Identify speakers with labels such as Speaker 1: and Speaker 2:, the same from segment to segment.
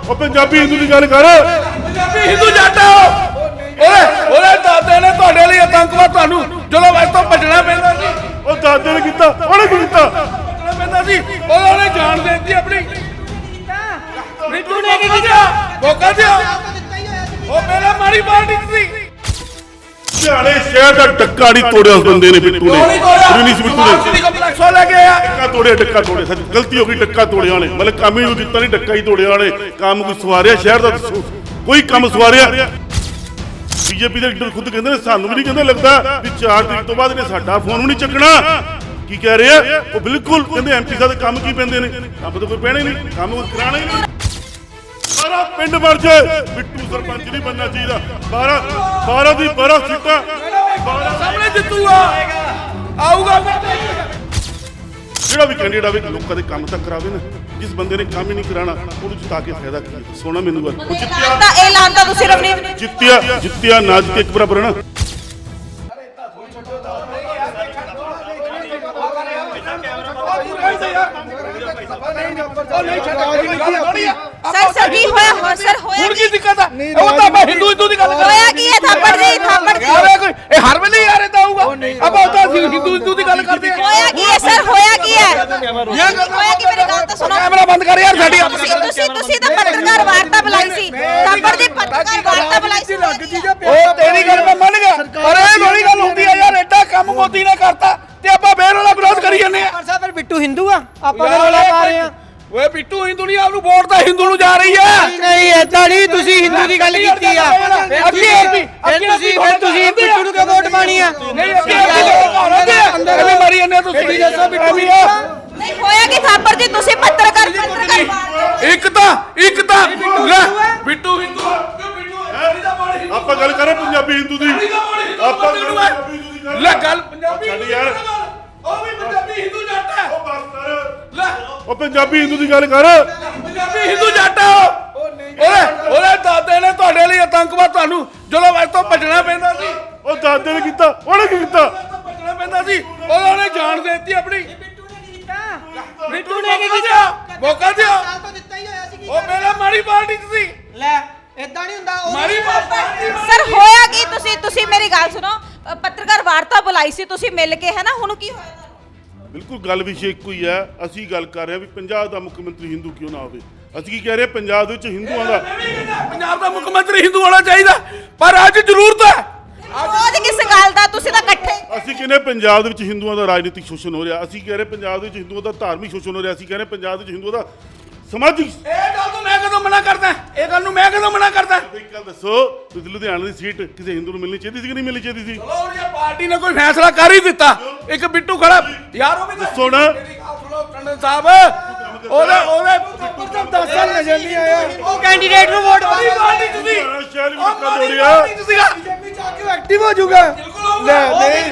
Speaker 1: ਉਹ ਪੰਜਾਬੀ ਹਿੰਦੂ ਦੀ ਗੱਲ ਕਰ।
Speaker 2: ਪੰਜਾਬੀ ਹਿੰਦੂ ਜੱਟ ਆ ਉਹਦੇ ਦਾਦੇ ਨੇ ਤੁਹਾਡੇ ਲਈ ਆਤੰਕਵਾਦ ਤੁਹਾਨੂੰ ਜਦੋਂ ਵੈਸ ਤੋਂ ਭੱਜਣਾ ਪੈਂਦਾ ਸੀ।
Speaker 1: ਉਹ ਦਾਦੇ ਨੇ ਕੀਤਾ, ਉਹਨੇ ਕੀ ਕੀਤਾ?
Speaker 2: ਭੱਜਣਾ ਪੈਂਦਾ ਸੀ, ਉਹਨੇ ਜਾਨ ਦੇ ਦਿੱਤੀ ਆਪਣੀ। ਬਿੱਟੂ ਨੇ ਕੀ ਕੀਤਾ? ਮੌਕਾ ਦਿਓ। ਉਹ ਪਹਿਲਾਂ ਮਾੜੀ ਪਾਰਟੀ ਸੀ।
Speaker 1: ਲੁਧਿਆਣੇ ਸ਼ਹਿਰ ਦਾ ਡੱਕਾ ਨਹੀਂ ਤੋੜਿਆ ਉਸ ਬੰਦੇ ਨੇ, ਬਿੱਟੂ ਨੇ। ਨਹੀਂ ਸੀ ਬਿੱਟੂ ਨੇ
Speaker 2: ਕੰਪਲੈਕਸੋਂ ਲੈ ਕੇ ਆਇਆ।
Speaker 1: ਡੱਕਾ ਤੋੜਿਆ, ਡੱਕਾ ਤੋੜਿਆ। ਸੱਚ ਗਲਤੀ ਹੋ ਗਈ, ਡੱਕਾ ਤੋੜਿਆ ਉਹਨੇ। ਮਤਲਬ ਕੰਮ ਹੀ ਕੋਈ ਕੀਤਾ ਨਹੀਂ, ਡੱਕਾ ਹੀ ਤੋੜਿਆ ਉਹਨੇ। ਕੰਮ ਕੋਈ ਸਵਾਰਿਆ ਸ਼ਹਿਰ ਦਾ? ਦੱਸੋ ਕੋਈ ਕੰਮ ਸਵਾਰਿਆ? ਬੀਜੇਪੀ ਦੇ ਲੀਡਰ ਖੁਦ ਕਹਿੰਦੇ ਨੇ ਸਾਨੂੰ ਵੀ ਨਹੀਂ ਕਹਿੰਦੇ ਲੱਗਦਾ ਵੀ 4 ਤਰੀਕ ਤੋਂ ਬਾਅਦ ਇਹਨੇ ਸਾਡਾ ਫੋਨ ਵੀ ਨਹੀਂ ਚੱਕਣਾ। ਕੀ ਕਹਿ ਰਹੇ ਆ ਉਹ? ਬਿਲਕੁਲ ਕਹਿੰਦੇ ਐਮਪੀ ਸਾਹਿਬ ਦੇ ਕੰਮ ਕੀ ਪੈਂਦੇ ਨੇ? ਕੰਮ ਤਾਂ ਕੋਈ ਪੈਣੇ ਨਹੀਂ, ਕੰਮ ਕੋਈ ਕਰਾਣਾ ਹੀ ਨਹੀਂ। ਸਾਰਾ ਪਿੰਡ ਮਰ ਜਾਏ, ਬਿੱਟੂ ਸਰਪੰਚ ਨਹੀਂ ਬਣਨਾ ਚਾਹੀਦਾ। 12 ਦੀ 12 ਸੀਟਾਂ
Speaker 2: ਸਾਹਮਣੇ ਜਿੱਤੂਗਾ, ਆਊਗਾ।
Speaker 1: ਜਿਹੜਾ ਵੀ ਕੈਂਡੀਡੇਟ ਆਵੇ ਲੋਕਾਂ ਦੇ ਕੰਮ ਤਾਂ ਕਰਾਵੇ ਨਾ। ਜਿਸ ਬੰਦੇ ਨੇ ਕੰਮ ਹੀ ਨਹੀਂ ਕਰਾਣਾ ਉਹਨੂੰ ਜਿਤਾ ਕੇ ਫਾਇਦਾ ਕੀ? ਸੋਣਾ ਮੈਨੂੰ ਗੱਲ। ਉਹ
Speaker 3: ਜਿੱਤਿਆ ਤੁਸੀਂ ਰਵਨੀਤ
Speaker 1: ਜਿੱਤਿਆ ਨਾ ਜਿੱਤੇ ਇੱਕ ਬਰਾਬਰ ਨਾ।
Speaker 3: ਸਰ ਕੀ ਹੋਇਆ? ਸਰ ਹੋਇਆ
Speaker 2: ਹੁਣ ਕੀ ਦਿੱਕਤ ਆ? ਉਹ ਤਾਂ ਮੈਂ ਹਿੰਦੂ ਦੀ ਗੱਲ ਕਰ ਰਿਹਾ।
Speaker 3: ਹੋਇਆ ਕੀ ਹੈ? ਥਾਪੜ ਦੀ
Speaker 2: ਇਹ ਹਰ ਵੇਲੇ ਯਾਰ ਇਦਾਂ ਆਊਗਾ। ਆਪਾਂ ਉਹ ਤਾਂ ਹਿੰਦੂ ਦੀ ਗੱਲ ਕਰਦੇ ਆ।
Speaker 3: ਹੋਇਆ ਕੀ ਹੈ ਸਰ? ਹੋਇਆ ਕੀ ਹੈ? ਹੋਇਆ ਕੀ? ਮੇਰੀ ਗੱਲ ਤਾਂ ਸੁਣੋ।
Speaker 2: ਕੈਮਰਾ ਬੰਦ ਕਰ ਯਾਰ ਸਾਡੀ।
Speaker 3: ਤੁਸੀਂ ਤਾਂ ਪੱਤਰਕਾਰ ਵਾਰਤਾ ਬੁਲਾਈ ਸੀ। ਥਾਪੜ ਦੀ ਪੱਤਰਕਾਰ ਵਾਰਤਾ ਬੁਲਾਈ ਸੀ।
Speaker 2: ਉਹ ਤੇਰੀ ਗੱਲ ਮੈਂ ਮੰਨ ਗਿਆ, ਪਰ ਇਹ ਬੜੀ ਗੱਲ ਹੁੰਦੀ ਆ ਯਾਰ। ਐਡਾ ਕੰਮ ਮੋਦੀ ਨੇ ਕਰਤਾ ਤੇ ਆਪਾਂ ਫੇਰ ਉਹਦਾ ਵਿਰੋਧ ਕਰੀ ਜਾਂਦੇ ਆ।
Speaker 4: ਸਰ ਫਿਰ ਬਿੱਟੂ ਹਿੰਦੂ ਆ, ਆਪਾਂ ਤਾਂ ਰੌਲਾ ਪਾ ਰਹੇ ਆ।
Speaker 2: ਓਏ ਬਿੱਟੂ ਹਿੰਦੂ ਨਹੀਂ, ਆਪਨੂੰ ਵੋਟ ਤਾਂ ਹਿੰਦੂ ਨੂੰ ਜਾ ਰਹੀ ਹੈ।
Speaker 4: ਨਹੀਂ ਏਦਾਂ ਨਹੀਂ, ਤੁਸੀਂ ਹਿੰਦੂ ਦੀ ਗੱਲ ਕੀਤੀ ਆ। ਫਿਰ ਤੁਸੀਂ ਬਿੱਟੂ ਨੂੰ ਕਿਉਂ ਵੋਟ ਪਾਣੀ ਆ?
Speaker 2: ਨਹੀਂ ਅੱਗੇ ਮਾਰੀ ਜਾਂਦੇ ਤੁਸੀਂ। ਦੱਸੋ ਬਿੱਟੂ ਵੀ ਆ।
Speaker 3: ਨਹੀਂ ਹੋਇਆ ਕੀ? ਥਾਪੜ ਜੀ ਤੁਸੀਂ ਪੱਤਰਕਾਰ
Speaker 2: ਇੱਕ ਤਾਂ ਲੈ ਬਿੱਟੂ ਹਿੰਦੂ
Speaker 1: ਆਪਾਂ ਗੱਲ ਕਰਾਂ ਪੰਜਾਬੀ ਹਿੰਦੂ ਦੀ। ਆਪਾਂ ਪੰਜਾਬੀ ਹਿੰਦੂ ਦੀ ਗੱਲ
Speaker 2: ਲੈ ਗੱਲ ਪੰਜਾਬੀ
Speaker 1: ਛੱਡ ਯਾਰ।
Speaker 2: ਉਹ ਵੀ ਪੰਜਾਬੀ ਹਿੰਦੂ ਜੱਟ ਹੈ।
Speaker 1: ਉਹ ਬਸ ਕਰ।
Speaker 2: ਲੈ
Speaker 1: ਉਹ ਪੰਜਾਬੀ ਹਿੰਦੂ ਦੀ ਗੱਲ ਕਰ।
Speaker 2: ਪੰਜਾਬੀ ਹਿੰਦੂ ਜੱਟ ਆ ਉਹਦੇ ਦਾਦੇ ਨੇ ਤੁਹਾਡੇ ਲਈ ਆਤੰਕਵਾਦ ਤੁਹਾਨੂੰ ਜਦੋਂ ਵੈਸ ਤੋਂ ਭੱਜਣਾ ਪੈਂਦਾ ਸੀ।
Speaker 1: ਉਹ ਦਾਦੇ ਨੇ ਕੀਤਾ, ਉਹਨੇ ਕੀ ਕੀਤਾ?
Speaker 2: ਭੱਜਣਾ ਪੈਂਦਾ ਸੀ, ਉਹਨੇ ਜਾਨ ਦੇ ਦਿੱਤੀ ਆਪਣੀ। ਬਿੱਟੂ ਨੇ ਕੀ ਕੀਤਾ? ਮੌਕਾ ਦਿਓ। ਉਹ ਪਹਿਲਾਂ ਮਾੜੀ ਪਾਰਟੀ ਸੀ।
Speaker 4: ਲੈ ਏਦਾਂ ਨਹੀਂ ਹੁੰਦਾ।
Speaker 2: ਮਾੜੀ ਪਾਰਟੀ।
Speaker 3: ਸਰ ਹੋਇਆ ਕੀ? ਤੁਸੀਂ ਮੇਰੀ ਗੱਲ ਸੁਣੋ। ਪੱਤਰਕਾਰ ਵਾਰਤਾ ਬੁਲਾਈ ਸੀ ਤੁਸੀਂ ਮਿਲ ਕੇ, ਹੈ ਨਾ? ਹੁਣ ਕੀ ਹੋਇਆ?
Speaker 1: ਬਿਲਕੁਲ ਗੱਲ ਵਿਸ਼ੇ ਇੱਕੋ ਹੀ ਹੈ। ਅਸੀਂ ਗੱਲ ਕਰ ਰਹੇ ਹਾਂ ਵੀ ਪੰਜਾਬ ਦਾ ਮੁੱਖ ਮੰਤਰੀ ਹਿੰਦੂ ਕਿਉਂ ਨਾ ਹੋਵੇ। ਅਸੀਂ ਕੀ ਕਹਿ ਰਹੇ ਹਾਂ? ਪੰਜਾਬ ਦੇ ਵਿੱਚ ਹਿੰਦੂਆਂ ਦਾ
Speaker 2: ਪੰਜਾਬ ਦਾ ਮੁੱਖ ਮੰਤਰੀ ਹਿੰਦੂ ਹੋਣਾ ਚਾਹੀਦਾ, ਪਰ ਅੱਜ ਜ਼ਰੂਰਤ ਹੈ।
Speaker 3: ਵਿਰੋਧ ਕਿਸ ਗੱਲ ਦਾ? ਤੁਸੀਂ ਤਾਂ ਇਕੱਠੇ।
Speaker 1: ਅਸੀਂ ਕਹਿੰਦੇ ਪੰਜਾਬ ਦੇ ਵਿੱਚ ਹਿੰਦੂਆਂ ਦਾ ਰਾਜਨੀਤਿਕ ਸ਼ੋਸ਼ਣ ਹੋ ਰਿਹਾ। ਅਸੀਂ ਕਹਿ ਰਹੇ ਪੰਜਾਬ ਦੇ ਵਿੱਚ ਹਿੰਦੂਆਂ ਦਾ ਧਾਰਮਿਕ ਸ਼ੋਸ਼ਣ ਹੋ ਰਿਹਾ। ਅਸੀਂ ਕਹਿ ਰਹੇ ਪੰਜਾਬ ਦੇ ਵਿੱਚ ਹਿੰਦੂਆਂ ਦਾ ਸਮਾਜਿਕ।
Speaker 2: ਇਹ ਗੱਲ ਤੋਂ ਮੈਂ ਕਦੋਂ ਮਨਾ ਕਰਦਾ? ਇਹ ਗੱਲ ਨੂੰ ਮੈਂ ਕਦੋਂ ਮਨਾ ਕਰਦਾ?
Speaker 1: ਇੱਕ ਗੱਲ ਦੱਸੋ, ਤੁਸੀਂ ਲੁਧਿਆਣੇ ਦੀ ਸੀਟ ਕਿਸੇ ਹਿੰਦੂ ਨੂੰ ਮਿਲਣੀ ਚਾਹੀਦੀ ਸੀ ਕਿ ਨਹੀਂ ਮਿਲਣੀ ਚਾਹੀਦੀ ਸੀ?
Speaker 2: ਚਲੋ ਜੇ ਪਾਰਟੀ ਨੇ ਕੋਈ ਫੈਸਲਾ ਕਰ ਹੀ ਦਿੱਤਾ, ਇੱਕ ਬਿੱਟੂ ਖੜਾ ਯਾਰ, ਉਹ ਵੀ
Speaker 1: ਦੱਸੋ ਨਾ।
Speaker 2: ਟੰਡਨ ਸਾਹਿਬ ਉਹਦੇ
Speaker 4: 10 ਸਾਲ ਨਜ਼ਰ ਨਹੀਂ ਆਇਆ। ਉਹ ਕੈਂਡੀਡੇਟ ਨੂੰ ਵੋਟ ਪਾਣੀ
Speaker 2: ਪਾਰਟੀ ਤੁਸੀਂ
Speaker 1: ਸ਼ਹਿਰ ਵੀ ਧੱਕਾ ਤੋੜਿਆ।
Speaker 4: ਬੀਜੇਪੀ ਜਾ ਕੇ ਐਕਟਿਵ ਹੋ ਜਾਊਗਾ। ਲੈ ਨਹੀਂ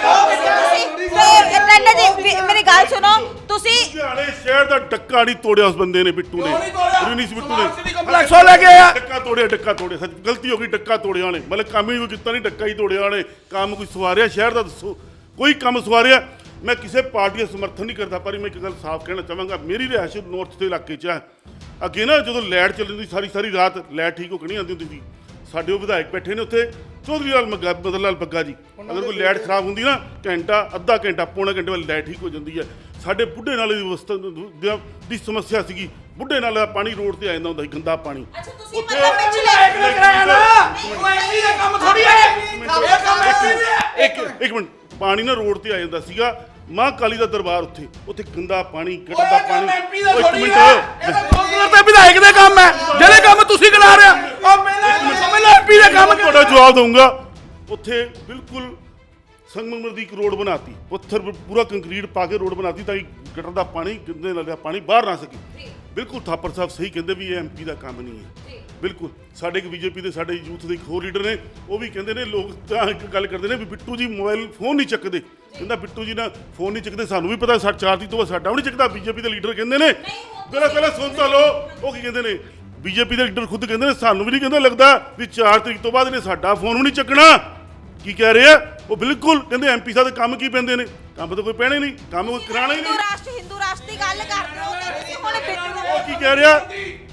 Speaker 3: ਮੇਰੀ ਗੱਲ ਸੁਣੋ। ਤੁਸੀਂ
Speaker 1: ਲੁਧਿਆਣੇ ਸ਼ਹਿਰ ਦਾ ਡੱਕਾ ਨਹੀਂ ਤੋੜਿਆ ਉਸ ਬੰਦੇ ਨੇ, ਬਿੱਟੂ ਨੇ। ਨਹੀਂ ਸੀ ਬਿੱਟੂ ਨੇ
Speaker 2: ਕੰਪਲੈਕਸੋਂ ਲੈ ਕੇ ਆਇਆ।
Speaker 1: ਡੱਕਾ ਤੋੜਿਆ। ਸੱਚ ਗਲਤੀ ਹੋ ਗਈ, ਡੱਕਾ ਤੋੜਿਆ ਉਹਨੇ। ਮਤਲਬ ਕੰਮ ਹੀ ਕੋਈ ਕੀਤਾ ਨਹੀਂ, ਡੱਕਾ ਹੀ ਤੋੜਿਆ ਉਹਨੇ। ਕੰਮ ਕੋਈ ਸਵਾਰਿਆ ਸ਼ਹਿਰ ਦਾ? ਦੱਸੋ ਕੋਈ ਕੰਮ ਸਵਾਰਿਆ? ਮੈਂ ਕਿਸੇ ਪਾਰਟੀ ਦਾ ਸਮਰਥਨ ਨਹੀਂ ਕਰਦਾ, ਪਰ ਮੈਂ ਇੱਕ ਗੱਲ ਸਾਫ਼ ਕਹਿਣਾ ਚਾਹਾਂਗਾ। ਮੇਰੀ ਰਿਹਾਇਸ਼ ਨਾਰਥ ਦੇ ਇਲਾਕੇ 'ਚ ਹੈ। ਅੱਗੇ ਨਾ ਜਦੋਂ ਲਾਈਟ ਚੱਲਦੀ ਹੁੰਦੀ ਸਾਰੀ ਰਾਤ ਲਾਈਟ ਠੀਕ ਹੋ ਕੇ ਨਹੀਂ ਆਉਂਦੀ ਹੁੰਦੀ ਸੀ। ਸਾਡੇ ਉਹ ਵਿਧਾਇਕ ਬੈਠੇ ਨੇ ਉੱਥੇ, ਚੌਧਰੀ ਲਾਲ ਬਦਲ ਲਾਲ ਬੱਗਾ ਜੀ। ਅਗਰ ਕੋਈ ਲਾਈਟ ਖਰਾਬ ਹੁੰਦੀ ਨਾ, ਘੰਟਾ ਅੱਧਾ ਘੰਟਾ ਪੌਣਾ ਘੰਟੇ ਬਾਅਦ ਲਾਈਟ ਠੀਕ ਹੋ ਜਾਂਦੀ ਹੈ। ਸਾਡੇ ਬੁੱਢੇ ਨਾਲੇ ਦੀ ਅਵਸਥਾ ਦੀ ਸਮੱਸਿਆ ਸੀਗੀ। ਬੁੱਢੇ ਨਾਲੇ ਦਾ ਪਾਣੀ ਰੋਡ ਤੇ ਆ ਜਾਂਦਾ ਹੁੰਦਾ ਸੀ, ਗੰਦਾ ਪਾਣੀ।
Speaker 3: ਤੁਸੀਂ ਮਤਲਬ ਪਿਛਲੇ
Speaker 2: ਕਰਾਇਆ ਨਾ, ਉਹ ਐਮਪੀ ਦਾ ਕੰਮ ਥੋੜੀ ਹੈ ਇਹ ਕੰਮ ਐਮਪੀ ਦਾ।
Speaker 1: ਇੱਕ ਮਿੰਟ, ਪਾਣੀ ਨਾ ਰੋਡ ਤੇ ਆ ਜਾਂਦਾ ਸੀਗਾ। ਮਾਂ ਕਾਲੀ ਦਾ ਦਰਬਾਰ ਉੱਥੇ ਗੰਦਾ ਪਾਣੀ, ਗਟਰ ਦਾ ਪਾਣੀ।
Speaker 2: ਇੱਕ ਮਿੰਟ, ਇਹ ਤਾਂ ਕੌਂਸਲਰ ਤੇ ਵਿਧਾਇਕ ਦੇ ਕੰਮ ਹੈ। ਜਿਹੜੇ ਕੰਮ ਤੁਸੀਂ ਕਰਾ ਰਹੇ ਹੋ ਉਹ ਪਹਿਲਾਂ ਸਮਝ ਲਓ ਐਮਪੀ ਦੇ ਕੰਮ।
Speaker 1: ਤੁਹਾਡਾ ਜਵਾਬ ਦਊਂਗਾ। ਉੱਥੇ ਬਿਲਕੁਲ ਸੰਗਮਰਮਰ ਦੀ ਇੱਕ ਰੋਡ ਬਣਾਤੀ, ਪੱਥਰ ਪੂਰਾ ਕੰਕਰੀਟ ਪਾ ਕੇ ਰੋਡ ਬਣਾਤੀ ਤਾਂ ਕਿ ਗਟਰ ਦਾ ਪਾਣੀ, ਗੰਦੇ ਨਾਲੇ ਦਾ ਪਾਣੀ ਬਾਹਰ ਨਾ ਸਕੇ। ਬਿਲਕੁਲ ਥਾਪਰ ਸਾਹਿਬ ਸਹੀ ਕਹਿੰਦੇ ਵੀ ਇਹ ਐਮਪੀ ਦਾ ਕੰਮ ਨਹੀਂ ਹੈ। ਬਿਲਕੁਲ ਸਾਡੇ ਇੱਕ ਬੀਜੇਪੀ ਦੇ ਸਾਡੇ ਯੂਥ ਦੇ ਇੱਕ ਹੋਰ ਲੀਡਰ ਨੇ, ਉਹ ਵੀ ਕਹਿੰਦੇ ਨੇ, ਲੋਕ ਤਾਂ ਇੱਕ ਗੱਲ ਕਰਦੇ ਨੇ ਵੀ ਬਿੱਟੂ ਜੀ ਮੋਬਾਈਲ ਫੋਨ ਨਹੀਂ ਚੱਕਦੇ। ਕਹਿੰਦਾ ਬਿੱਟੂ ਜੀ ਨਾ ਫੋਨ ਨਹੀਂ ਚੱਕਦੇ, ਸਾਨੂੰ ਵੀ ਪਤਾ 4 ਤਰੀਕ ਤੋਂ ਬਾਅਦ ਸਾਡਾ ਵੀ ਨਹੀਂ ਚੱਕਦਾ। ਬੀਜੇਪੀ ਦੇ ਲੀਡਰ ਕਹਿੰਦੇ ਨੇ, ਪਹਿਲਾਂ ਸੁਣ ਤਾਂ ਲਓ ਉਹ ਕੀ ਕਹਿੰਦੇ ਨੇ। ਬੀਜੇਪੀ ਦੇ ਲੀਡਰ ਖੁਦ ਕਹਿੰਦੇ ਨੇ ਸਾਨੂੰ ਵੀ ਨਹੀਂ ਕਹਿੰਦੇ ਲੱਗਦਾ ਵੀ 4 ਤਰੀਕ ਤੋਂ ਬਾਅਦ ਇਹਨੇ ਸਾਡਾ ਫੋਨ ਵੀ ਨਹੀਂ ਚੱਕਣਾ। ਕੀ ਕਹਿ ਰਹੇ ਆ ਉਹ? ਬਿਲਕੁਲ ਕਹਿੰਦੇ ਐਮਪੀ ਸਾਹਿਬ ਦੇ ਕੰਮ ਕੀ ਪੈਂਦੇ ਨੇ? ਕੰਮ ਤਾਂ ਕੋਈ ਪੈਣੇ ਨਹੀਂ, ਕੰਮ ਕੋਈ ਕਰਾਣਾ ਹੀ ਨਹੀਂ।
Speaker 3: ਹਿੰਦੂ ਰਾਸ਼ਟਰ ਦੀ ਗੱਲ ਕਰਦੇ ਹੋ ਤੇ ਤੁਸੀਂ ਹੁਣ ਬਿੱਟੂ ਨੂੰ
Speaker 1: ਉਹ ਕੀ ਕਹਿ ਰਿਹਾ?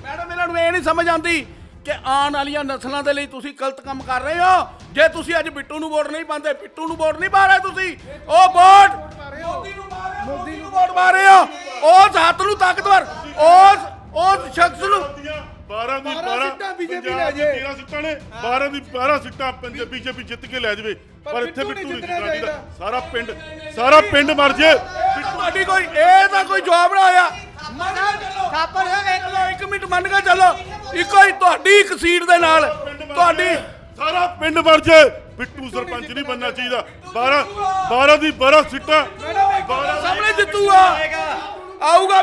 Speaker 2: ਮੈਡਮ ਇਹਨਾਂ ਨੂੰ ਇਹ ਨਹੀਂ ਸਮਝ ਆਉਂਦੀ ਕਿ ਆਉਣ ਵਾਲੀਆਂ ਨਸਲਾਂ ਦੇ ਲਈ ਤੁਸੀਂ ਗਲਤ ਕੰਮ ਕਰ ਰਹੇ ਹੋ। ਜੇ ਤੁਸੀਂ ਅੱਜ ਬਿੱਟੂ ਨੂੰ ਵੋਟ ਨਹੀਂ ਪਾਉਂਦੇ, ਬਿੱਟੂ ਨੂੰ ਵੋਟ ਨਹੀਂ ਪਾ ਰਹੇ ਤੁਸੀਂ, ਉਹ ਵੋਟ ਮੋਦੀ ਨੂੰ ਵੋਟ ਪਾ ਰਹੇ ਹੋ। ਉਸ ਹੱਥ ਨੂੰ ਤਾਕਤਵਰ, ਉਸ ਸ਼ਖਸ ਨੂੰ
Speaker 1: 12 ਦੀ 12
Speaker 4: ਸੀਟਾਂ BJP
Speaker 1: ਪੰਜਾਬ
Speaker 4: ਲੈ
Speaker 1: ਦੀ
Speaker 4: ਜੇ।
Speaker 1: 13 ਸੀਟਾਂ ਨੇ 12 ਦੀ 12 ਸੀਟਾਂ BJP ਜਿੱਤ ਕੇ ਲੈ ਜਾਵੇ, ਪਰ ਇੱਥੇ
Speaker 4: ਬਿੱਟੂ
Speaker 1: ਬਿੱਟੂ
Speaker 4: ਨਹੀਂ
Speaker 1: ਨਹੀਂ
Speaker 4: ਜਿੱਤਣਾ
Speaker 1: ਜਿੱਤਣਾ
Speaker 4: ਚਾਹੀਦਾ।
Speaker 1: ਸਾਰਾ ਪਿੰਡ ਮਰ ਜੇ।
Speaker 2: ਤੁਹਾਡੀ ਕੋਈ ਇਹ ਤਾਂ ਕੋਈ ਜਵਾਬ ਨਾ ਹੋਇਆ। ਥਾਪਰ ਇੱਕ ਮਿੰਟ ਮੰਨ ਕੇ ਚੱਲੋ, ਇੱਕੋ ਹੀ ਤੁਹਾਡੀ ਇੱਕ ਸੀਟ ਦੇ ਨਾਲ ਤੁਹਾਡੀ
Speaker 1: ਸਾਰਾ ਪਿੰਡ ਮਰ ਜੇ। ਬਿੱਟੂ ਸਰਪੰਚ ਨਹੀਂ ਬਣਨਾ ਚਾਹੀਦਾ। 12 ਦੀ 12 ਸੀਟਾਂ
Speaker 2: ਸਾਹਮਣੇ ਜਿੱਤੂਗਾ, ਆਊਗਾ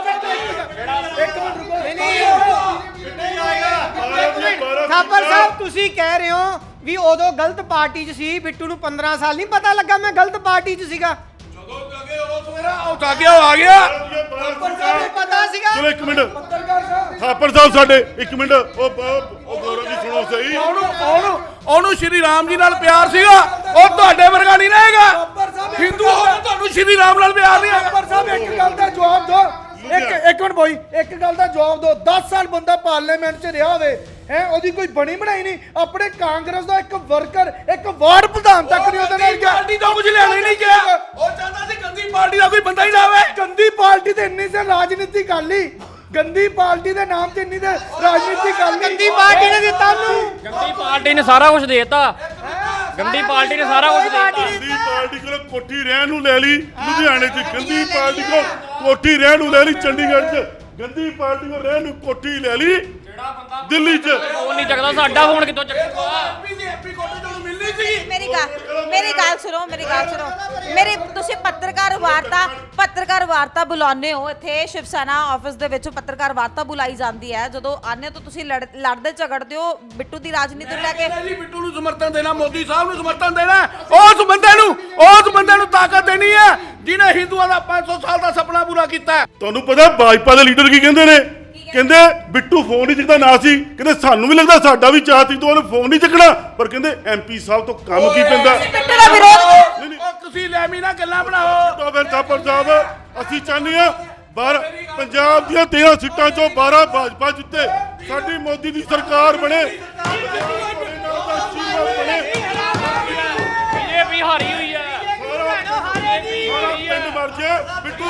Speaker 5: ਥਾਪਰ ਸਾਹਿਬ ਤੁਸੀਂ ਕਹਿ ਰਹੇ ਹੋ ਵੀ ਉਦੋਂ ਗਲਤ ਪਾਰਟੀ 'ਚ ਸੀ, ਬਿੱਟੂ ਨੂੰ 15 ਸਾਲ ਨਹੀਂ ਪਤਾ ਲੱਗਾ ਮੈਂ ਗਲਤ ਪਾਰਟੀ 'ਚ ਸੀਗਾ।
Speaker 2: ਆ ਗਿਆ
Speaker 5: ਪਤਾ ਸੀਗਾ।
Speaker 1: ਚਲੋ ਇੱਕ ਮਿੰਟ ਥਾਪਰ ਸਾਹਿਬ ਸਾਡੇ ਇੱਕ ਮਿੰਟ ਉਹ ਗੌਰਵ ਜੀ ਸੁਣੋ ਸਹੀ।
Speaker 2: ਉਹਨੂੰ ਸ਼੍ਰੀ ਰਾਮ ਜੀ ਨਾਲ ਪਿਆਰ ਸੀਗਾ, ਉਹ ਤੁਹਾਡੇ ਵਰਗਾ ਨਹੀਂ ਰਹੇਗਾ। ਹਿੰਦੂ ਹੋ ਕੇ ਤੁਹਾਨੂੰ ਸ਼੍ਰੀ ਰਾਮ ਨਾਲ ਪਿਆਰ ਨਹੀਂ ਹੈਗਾ।
Speaker 4: ਪਰ ਸਾਹਿਬ ਇੱਕ ਗੱਲ ਦਾ ਜਵਾਬ ਦਿਓ, ਇੱਕ ਮਿੰਟ ਬੋਈ, ਇੱਕ ਗੱਲ ਦਾ ਜਵਾਬ ਦਿਓ। 10 ਸਾਲ ਬੰਦਾ ਪਾਰਲੀਮੈਂਟ 'ਚ ਰਿਹਾ ਹੋਵੇ ਹੈ, ਉਹਦੀ ਕੋਈ ਬਣੀ ਬਣਾਈ ਨਹੀਂ। ਆਪਣੇ ਕਾਂਗਰਸ ਦਾ ਇੱਕ ਵਰਕਰ, ਇੱਕ ਵਾਰਡ ਪ੍ਰਧਾਨ ਤੱਕ ਨਹੀਂ ਉਹਦੇ ਨਾਲ ਗਿਆ।
Speaker 2: ਪਾਰਟੀ ਦਾ ਕੁਝ ਲੈਣਾ ਹੀ ਨਹੀਂ ਗਿਆ। ਉਹ ਚਾਹੁੰਦਾ ਸੀ ਗੰਦੀ ਪਾਰਟੀ ਦਾ ਕੋਈ ਬੰਦਾ ਹੀ ਨਾ ਆਵੇ।
Speaker 4: ਗੰਦੀ ਪਾਰਟੀ ਤੇ ਇੰਨੀ ਸੇ ਰਾਜਨੀਤੀ ਕਰ ਲਈ, ਗੰਦੀ ਪਾਰਟੀ ਦੇ ਨਾਮ ਤੇ ਇੰਨੀ ਤੇ ਰਾਜਨੀਤੀ ਕਰ ਲਈ।
Speaker 5: ਗੰਦੀ ਪਾਰਟੀ ਨੇ ਦਿੱਤਾ ਉਹਨੂੰ।
Speaker 6: ਗੰਦੀ ਪਾਰਟੀ ਨੇ ਸਾਰਾ ਕੁਝ ਦੇਤਾ। ਗੰਦੀ ਪਾਰਟੀ ਨੇ ਸਾਰਾ ਕੁਝ ਦੇਤਾ।
Speaker 1: ਗੰਦੀ ਪਾਰਟੀ ਕੋਲ ਕੋਠੀ ਰਹਿਣ ਨੂੰ ਲੈ ਲਈ ਲੁਧਿਆਣੇ 'ਚ, ਗੰਦੀ ਪਾਰਟੀ ਕੋਲ ਕੋਠੀ ਰਹਿਣ ਨੂੰ ਲੈ ਲਈ ਚੰਡੀਗੜ੍ਹ 'ਚ, ਗੰਦੀ ਪਾਰਟੀ ਕੋਲ ਰਹਿਣ ਨੂੰ ਕੋਠੀ ਲੈ ਲਈ ਦਿੱਲੀ 'ਚ।
Speaker 6: ਫੋਨ ਨਹੀਂ ਚੱਕਦਾ, ਸਾਡਾ ਫੋਨ ਕਿੱਥੋਂ ਚੱਕੂਗਾ?
Speaker 3: ਮੇਰੀ ਗੱਲ ਸੁਣੋ, ਮੇਰੀ ਤੁਸੀਂ ਪੱਤਰਕਾਰ ਵਾਰਤਾ ਬੁਲਾਉਂਦੇ ਹੋ ਇੱਥੇ ਸ਼ਿਵ ਸੈਨਾ ਆਫਿਸ ਦੇ ਵਿੱਚ। ਪੱਤਰਕਾਰ ਵਾਰਤਾ ਬੁਲਾਈ ਜਾਂਦੀ ਹੈ, ਜਦੋਂ ਆਨੇ ਤਾਂ ਤੁਸੀਂ ਲੜਦੇ ਝਗੜਦੇ ਹੋ ਬਿੱਟੂ ਦੀ ਰਾਜਨੀਤੀ ਨੂੰ ਲੈ ਕੇ।
Speaker 2: ਜੀ ਬਿੱਟੂ ਨੂੰ ਸਮਰਥਨ ਦੇਣਾ, ਮੋਦੀ ਸਾਹਿਬ ਨੂੰ ਸਮਰਥਨ ਦੇਣਾ, ਉਸ ਬੰਦੇ ਨੂੰ ਤਾਕਤ ਦੇਣੀ ਹੈ ਜਿਹਨੇ ਹਿੰਦੂਆਂ ਦਾ 500 ਸਾਲ ਦਾ ਸੁਪਨਾ ਪੂਰਾ ਕੀਤਾ ਹੈ।
Speaker 1: ਤੁਹਾਨੂੰ ਪਤਾ ਭਾਜਪਾ ਦੇ ਲੀਡਰ ਕੀ ਕਹਿੰਦੇ ਨੇ? ਕਹਿੰਦੇ ਬਿੱਟੂ ਫੋਨ ਨਹੀਂ ਚੱਕਦਾ ਨਾ ਸੀ, ਕਹਿੰਦੇ ਸਾਨੂੰ ਵੀ ਲੱਗਦਾ ਸਾਡਾ ਵੀ ਚਾਹ ਸੀ ਤੋਂ ਉਹਨੇ ਫੋਨ ਨਹੀਂ ਚੱਕਣਾ, ਪਰ ਕਹਿੰਦੇ MP ਸਾਹਿਬ ਤੋਂ ਕੰਮ ਕੀ ਪੈਂਦਾ।
Speaker 3: ਬਿੱਟੂ ਦਾ ਵਿਰੋਧ
Speaker 2: ਤੁਸੀਂ ਲੈਮੀ ਨਾਲ ਗੱਲਾਂ ਬਣਾਓ।
Speaker 1: ਤਾਂ ਫਿਰ ਥਾਪਰ ਸਾਹਿਬ ਅਸੀਂ ਚਾਹੁੰਦੇ ਹਾਂ ਪੰਜਾਬ ਦੀਆਂ 13 ਸੀਟਾਂ ਚੋਂ 12 ਭਾਜਪਾ ਜਿੱਤੇ, ਸਾਡੀ ਮੋਦੀ ਦੀ ਸਰਕਾਰ ਬਣੇ।
Speaker 6: ਬੀਜੇਪੀ ਹਾਰੀ ਹੋਈ ਹੈ।
Speaker 1: ਪਿੰਡ ਮਰ ਜੇ ਬਿੱਟੂ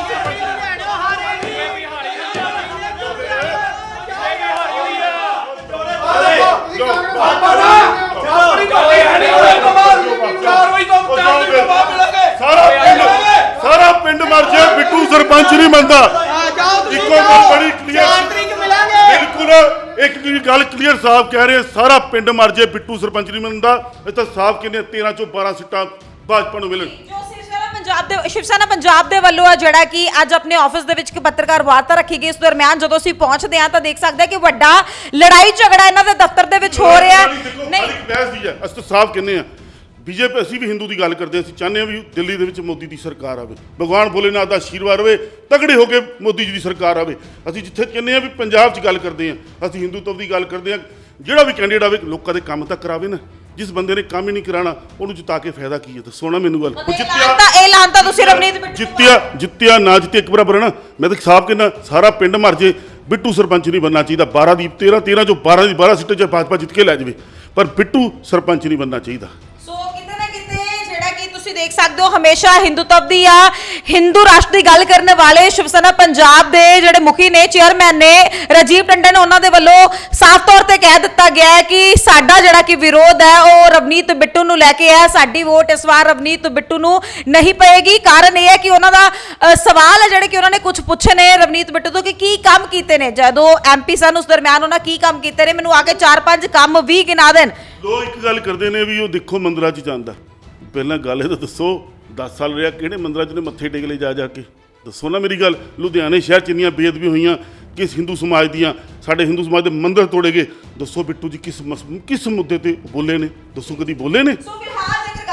Speaker 1: ਸਾਰਾ ਪਿੰਡ ਮਰ ਜੇ, ਬਿੱਟੂ ਸਰਪੰਚ ਨਹੀਂ ਬਣਦਾ। ਇੱਕੋ ਗੱਲ ਬੜੀ ਕਲੀਅਰ, ਬਿਲਕੁਲ ਇੱਕ ਗੱਲ ਕਲੀਅਰ ਸਾਫ਼ ਕਹਿ ਰਹੇ, ਸਾਰਾ ਪਿੰਡ ਮਰ ਜੇ, ਬਿੱਟੂ ਸਰਪੰਚ ਨਹੀਂ ਬਣਦਾ। ਇਹ ਤਾਂ ਸਾਫ਼ ਕਹਿੰਦੇ 13 ਚੋਂ 12 ਸੀਟਾਂ ਭਾਜਪਾ ਨੂੰ ਮਿਲਣ।
Speaker 3: ਸ਼ਿਵ ਸੈਨਾ ਪੰਜਾਬ ਦੇ ਵੱਲੋਂ ਆ ਜਿਹੜਾ ਕਿ ਅੱਜ ਆਪਣੇ ਆਫਿਸ ਦੇ ਵਿੱਚ ਇੱਕ ਪੱਤਰਕਾਰ ਵਾਰਤਾ ਰੱਖੀ ਗਈ। ਇਸ ਦਰਮਿਆਨ ਜਦੋਂ ਅਸੀਂ ਪਹੁੰਚਦੇ ਹਾਂ ਤਾਂ ਦੇਖ ਸਕਦੇ ਹਾਂ ਕਿ ਵੱਡਾ ਲੜਾਈ ਝਗੜਾ ਇਹਨਾਂ ਦੇ ਦਫ਼ਤਰ ਦੇ ਵਿੱਚ ਹੋ ਰਿਹਾ ਨਹੀਂ।
Speaker 1: ਬਹਿਸ ਦੀ ਹੈ, ਅਸੀਂ ਤਾਂ ਸਾਫ਼ ਕਹਿੰਦੇ ਹਾਂ ਬੀਜੇਪੀ, ਅਸੀਂ ਵੀ ਹਿੰਦੂ ਦੀ ਗੱਲ ਕਰਦੇ ਹਾਂ। ਅਸੀਂ ਚਾਹੁੰਦੇ ਹਾਂ ਵੀ ਦਿੱਲੀ ਦੇ ਵਿੱਚ ਮੋਦੀ ਦੀ ਸਰਕਾਰ ਆਵੇ, ਭਗਵਾਨ ਭੋਲੇਨਾਥ ਦਾ ਆਸ਼ੀਰਵਾਦ ਹੋਵੇ, ਤਗੜੇ ਹੋ ਕੇ ਮੋਦੀ ਜੀ ਦੀ ਸਰਕਾਰ ਆਵੇ। ਅਸੀਂ ਜਿੱਥੇ ਕਹਿੰਦੇ ਹਾਂ ਵੀ ਪੰਜਾਬ 'ਚ ਗੱਲ ਕਰਦੇ ਹਾਂ, ਅਸੀਂ ਹਿੰਦੂਤਵ ਦੀ ਗੱਲ ਕਰਦੇ ਹਾਂ। ਜਿਹੜਾ ਵੀ ਕੈਂਡੀਡੇਟ ਆਵੇ ਲੋਕਾਂ ਦੇ ਕੰਮ ਤਾਂ ਕਰਾਵੇ ਨਾ। ਜਿਸ ਬੰਦੇ ਨੇ ਕੰਮ ਹੀ ਨਹੀਂ ਕਰਾਣਾ ਉਹਨੂੰ ਜਿਤਾ ਕੇ ਫਾਇਦਾ ਕੀ ਹੈ? ਦੱਸੋ ਨਾ ਮੈਨੂੰ ਗੱਲ।
Speaker 3: ਇਹ ਲਾਂਤਾ ਤੁਸੀਂ ਰਵਨੀਤ ਬਿੱਟੂ
Speaker 1: ਜਿੱਤਿਆ ਨਾ ਜਿੱਤੇ ਇੱਕ ਬਰਾਬਰ ਹੈ ਨਾ। ਮੈਂ ਤਾਂ ਸਾਫ਼ ਕਹਿੰਦਾ ਸਾਰਾ ਪਿੰਡ ਮਰ ਜੇ, ਬਿੱਟੂ ਸਰਪੰਚ ਨਹੀਂ ਬਣਨਾ ਚਾਹੀਦਾ। 12 ਦੀ 13 ਚੋਂ 12 ਦੀ 12 ਸੀਟਾਂ 'ਚ ਭਾਜਪਾ ਜਿੱਤ ਕੇ ਲੈ ਜਾਵੇ, ਪਰ ਬਿੱਟੂ ਸਰਪੰਚ ਨਹੀਂ ਬਣਨਾ ਚਾਹੀਦਾ।
Speaker 3: ਸੋ ਕਿਤੇ ਨਾ ਕਿਤੇ ਜਿਹੜਾ ਕਿ ਤੁਸੀਂ ਦੇਖ ਸਕਦੇ ਹੋ ਹਮੇਸ਼ਾ ਹਿੰਦੂਤਵ ਦੀ ਆ ਹਿੰਦੂ ਰਾਸ਼ਟਰ ਦੀ ਗੱਲ ਕਰਨ ਵਾਲੇ ਸ਼ਿਵ ਸੈਨਾ ਪੰਜਾਬ ਦੇ ਜਿਹੜੇ ਮੁਖੀ ਨੇ, ਚੇਅਰਮੈਨ ਨੇ ਰਾਜੀਵ ਟੰਡਨ, ਉਹਨਾਂ ਦੇ ਵੱਲੋਂ ਸਾਫ਼ ਤੌਰ ਤੇ ਕਹਿ ਦਿੱਤਾ ਗਿਆ ਹੈ ਕਿ ਸਾਡਾ ਜਿਹੜਾ ਕਿ ਵਿਰੋਧ ਹੈ ਉਹ ਰਵਨੀਤ ਬਿੱਟੂ ਨੂੰ ਲੈ ਕੇ ਹੈ। ਸਾਡੀ ਵੋਟ ਇਸ ਵਾਰ ਰਵਨੀਤ ਬਿੱਟੂ ਨੂੰ ਨਹੀਂ ਪਏਗੀ। ਕਾਰਨ ਇਹ ਹੈ ਕਿ ਉਹਨਾਂ ਦਾ ਸਵਾਲ ਹੈ ਜਿਹੜੇ ਕਿ ਉਹਨਾਂ ਨੇ ਕੁਝ ਪੁੱਛੇ ਨੇ ਰਵਨੀਤ ਬਿੱਟੂ ਤੋਂ ਕਿ ਕੀ ਕੰਮ ਕੀਤੇ ਨੇ ਜਦੋਂ MP ਸਨ, ਉਸ ਦਰਮਿਆਨ ਉਹਨਾਂ ਕੀ ਕੰਮ ਕੀਤੇ ਨੇ, ਮੈਨੂੰ ਆ ਕੇ 4-5 ਕੰਮ ਵੀ ਗਿਣਾ ਦੇਣ।
Speaker 1: ਲੋਕ ਇੱਕ ਗੱਲ ਕਰਦੇ ਨੇ ਵੀ ਉਹ ਦੇਖੋ ਮੰਦਰਾਂ 'ਚ ਜਾਂਦਾ। ਪਹਿਲਾਂ ਗੱਲ ਇਹ ਤਾਂ ਦੱਸੋ 10 ਸਾਲ ਰਿਹਾ ਕਿਹੜੇ ਮੰਦਰਾਂ 'ਚ ਨੇ ਮੱਥੇ ਟੇਕ ਲਏ ਜਾ ਕੇ? ਦੱਸੋ ਨਾ ਮੇਰੀ ਗੱਲ। ਲੁਧਿਆਣੇ ਸ਼ਹਿਰ 'ਚ ਇੰਨੀਆਂ ਬੇਅਦਬੀ ਹੋਈਆਂ, ਕਿਸ ਹਿੰਦੂ ਸਮਾਜ ਦੀਆਂ, ਸਾਡੇ ਹਿੰਦੂ ਸਮਾਜ ਦੇ ਮੰਦਿਰ ਤੋੜੇ ਗਏ। ਦੱਸੋ ਬਿੱਟੂ ਜੀ ਕਿਸ ਮੁੱਦੇ ਤੇ ਬੋਲੇ ਨੇ? ਦੱਸੋ ਕਦੀ ਬੋਲੇ ਨੇ?
Speaker 3: ਸੋ ਫਿਲਹਾਲ ਜੇਕਰ ਗੱਲ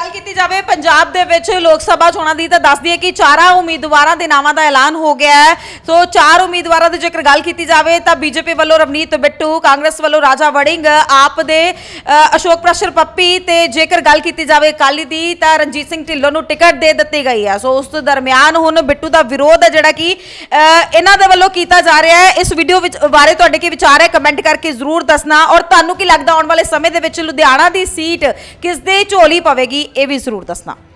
Speaker 3: ਗੱਲ ਕੀਤੀ ਜਾਵੇ ਪੰਜਾਬ ਦੇ ਵਿੱਚ ਲੋਕ ਸਭਾ ਚੋਣਾਂ ਦੀ ਤਾਂ ਦੱਸ ਦਈਏ ਕਿ 4 ਉਮੀਦਵਾਰਾਂ ਦੇ ਨਾਵਾਂ ਦਾ ਐਲਾਨ ਹੋ ਗਿਆ ਹੈ। ਸੋ 4 ਉਮੀਦਵਾਰਾਂ ਦੀ ਜੇਕਰ ਗੱਲ ਕੀਤੀ ਜਾਵੇ ਤਾਂ ਬੀਜੇਪੀ ਵੱਲੋਂ ਰਵਨੀਤ ਬਿੱਟੂ, ਕਾਂਗਰਸ ਵੱਲੋਂ ਰਾਜਾ ਵੜਿੰਗ, ਆਪ ਦੇ ਅਸ਼ੋਕ ਪ੍ਰਸ਼ਰ ਪੱਪੀ ਤੇ ਜੇਕਰ ਗੱਲ ਕੀਤੀ ਜਾਵੇ ਅਕਾਲੀ ਦੀ ਤਾਂ ਰਣਜੀਤ ਸਿੰਘ ਢਿੱਲੋਂ ਨੂੰ ਟਿਕਟ ਦੇ ਦਿੱਤੀ ਗਈ ਹੈ। ਸੋ ਉਸ ਤੋਂ ਦਰਮਿਆਨ ਹੁਣ ਬਿੱਟੂ ਦਾ ਵਿਰੋਧ ਹੈ ਜਿਹੜਾ ਕਿ ਇਹਨਾਂ ਦੇ ਵੱਲੋਂ ਕੀਤਾ ਜਾ ਰਿਹਾ ਹੈ। ਇਸ ਵੀਡੀਓ ਵਿੱਚ ਬਾਰੇ ਤੁਹਾਡੇ ਕੀ ਵਿਚਾਰ ਹੈ ਕਮੈਂਟ ਕਰਕੇ ਜ਼ਰੂਰ ਦੱਸਣਾ ਔਰ ਤੁਹਾਨੂੰ ਕੀ ਲੱਗਦਾ ਆਉਣ ਵਾਲੇ ਸਮੇਂ ਦੇ ਵਿੱਚ ਲੁਧਿਆਣਾ ਦੀ ਸੀਟ ਕਿਸ ਦੇ ਝੋਲੀ ਪਵੇਗੀ ਇਹ ਵੀ ਜ਼ਰੂਰ ਦੱਸਣਾ।